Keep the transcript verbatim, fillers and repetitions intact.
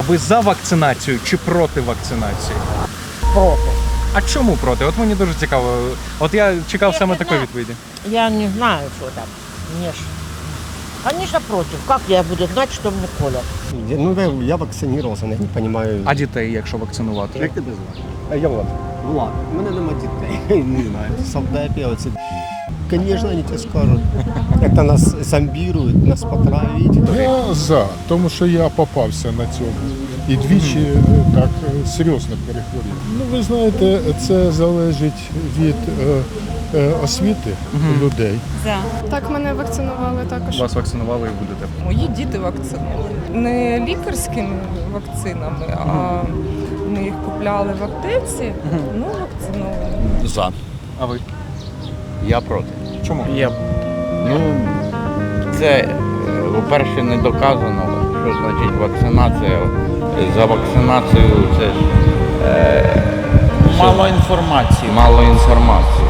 Ви за вакцинацію чи проти вакцинації? Проти. А чому проти? От мені дуже цікаво. От я чекав Я саме не такої знаю. відповіді. Я не знаю, что там. Мне ж... Конечно, против. Как я буду знать, что мне колят? Ну, я, я вакцинувався, я не розумію. А дітей, якщо вакцинувати? Як тебе звати? А я Влад. Влад. У мене нема дітей. Не знаю. Совдепі, оце. Звісно, вони тебе скажуть. Як то нас зомбірують, нас потравить. Я за, тому що я попався на цьому. І двічі е, так е, серйозно перехворів. Ну, ви знаєте, це залежить від е, е, освіти людей. За. Так, мене вакцинували також. Вас вакцинували і будете. Мої діти вакциновані. Не лікарськими вакцинами, а ми їх купляли в аптеці, ну вакциновані. За. А ви? Я проти. Чому? Я... Ну, це, е, по-перше, не доказано, що значить вакцинація. За вакцинацію це ж е, Мало інформації. мало інформації.